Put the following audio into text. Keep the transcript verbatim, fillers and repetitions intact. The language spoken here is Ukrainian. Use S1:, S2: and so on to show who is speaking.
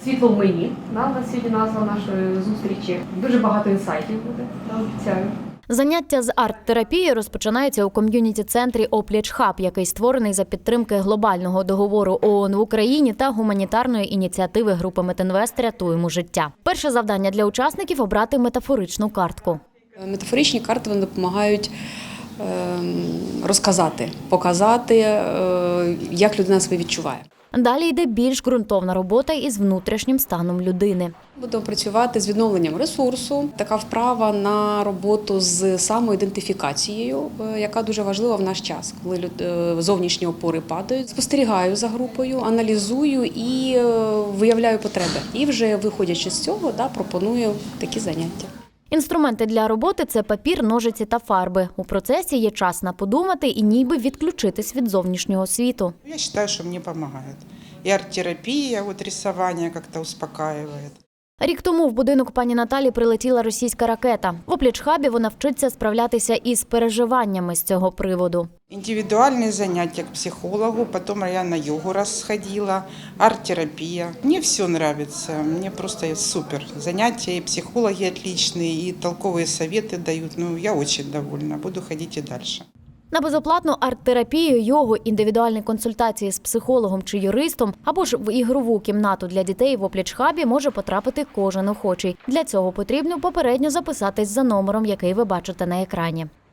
S1: Світло в мені, да, у нас сьогодні назва нашої зустрічі. Дуже багато інсайтів буде, да, обіцяю.
S2: Заняття з арт-терапії розпочинається у ком'юніті-центрі «Опліч Хаб», який створений за підтримки глобального договору ООН в Україні та гуманітарної ініціативи групи «Метинвест. Рятуємо життя». Перше завдання для учасників – обрати метафоричну картку.
S3: Метафоричні карти вони допомагають розказати, показати, як людина себе відчуває.
S2: Далі йде більш ґрунтовна робота із внутрішнім станом людини.
S3: Будемо працювати з відновленням ресурсу. Така вправа на роботу з самоідентифікацією, яка дуже важлива в наш час, коли зовнішні опори падають. Спостерігаю за групою, аналізую і виявляю потреби. І вже виходячи з цього, да, пропоную такі заняття.
S2: Інструменти для роботи – це папір, ножиці та фарби. У процесі є час на подумати і ніби відключитись від зовнішнього світу.
S4: Я вважаю, що мені допомагає. І арт-терапія, от рисування як-то успокаює.
S2: Рік тому в будинок пані Наталі прилетіла російська ракета. В «Опліч Хабі» вона вчиться справлятися із переживаннями з цього приводу.
S4: Індивідуальні заняття к психологу, потім я на йогу розходила, арт-терапія. Мені все подобається, мені просто супер. Заняття, і психологи отличні, і толкові совєти дають. Ну, я дуже довольна, буду ходити і далі.
S2: На безоплатну арт-терапію, йогу, індивідуальні консультації з психологом чи юристом або ж в ігрову кімнату для дітей в «Опліч Хабі» може потрапити кожен охочий. Для цього потрібно попередньо записатись за номером, який ви бачите на екрані.